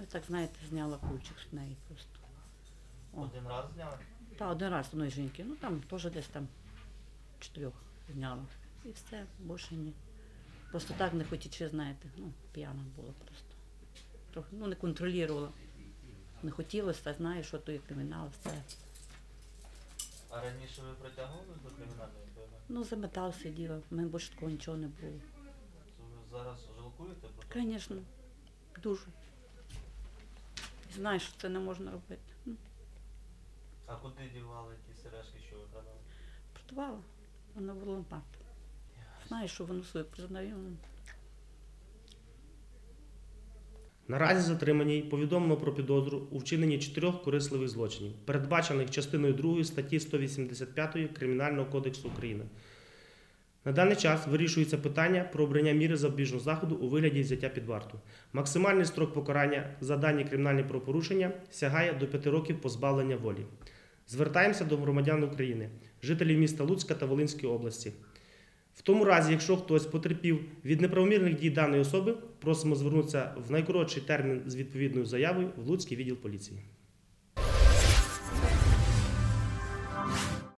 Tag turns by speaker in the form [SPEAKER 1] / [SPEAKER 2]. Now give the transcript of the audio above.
[SPEAKER 1] я так, знаєте, зняла ключик з неї просто. О.
[SPEAKER 2] Один раз зняли?
[SPEAKER 1] Та один раз одної жінки, ну там теж десь там 4 зняла. І все, більше ні. Просто так не хотіла, знаєте, ну, п'яна була просто. Трохи, ну, не контролювала. Не хотілося, знаєш, що то є кримінал, все.
[SPEAKER 2] А раніше ви притягували до кримінальної відповідальності?
[SPEAKER 1] Ну, за метал сиділа, в мене більше такого нічого не було.
[SPEAKER 2] То ви зараз жалкуєте про те?
[SPEAKER 1] Звісно, дуже. І знаєш, що це не можна робити. Ну,
[SPEAKER 2] А куди дівали ті сережки, що ви продали?
[SPEAKER 1] продавала, вона в лампад. Знаєш, що воно своє признаю.
[SPEAKER 3] Наразі затриманій повідомлено про підозру у вчиненні 4 корисливих злочинів, передбачених частиною 2 статті 185 Кримінального кодексу України. На даний час вирішується питання про обрання міри запобіжного заходу у вигляді взяття під варту. Максимальний строк покарання за дані кримінальні правопорушення сягає до 5 років позбавлення волі. Звертаємося до громадян України, жителів міста Луцька та Волинської області. В тому разі, якщо хтось потерпів від неправомірних дій даної особи, просимо звернутися в найкоротший термін з відповідною заявою в Луцький відділ поліції.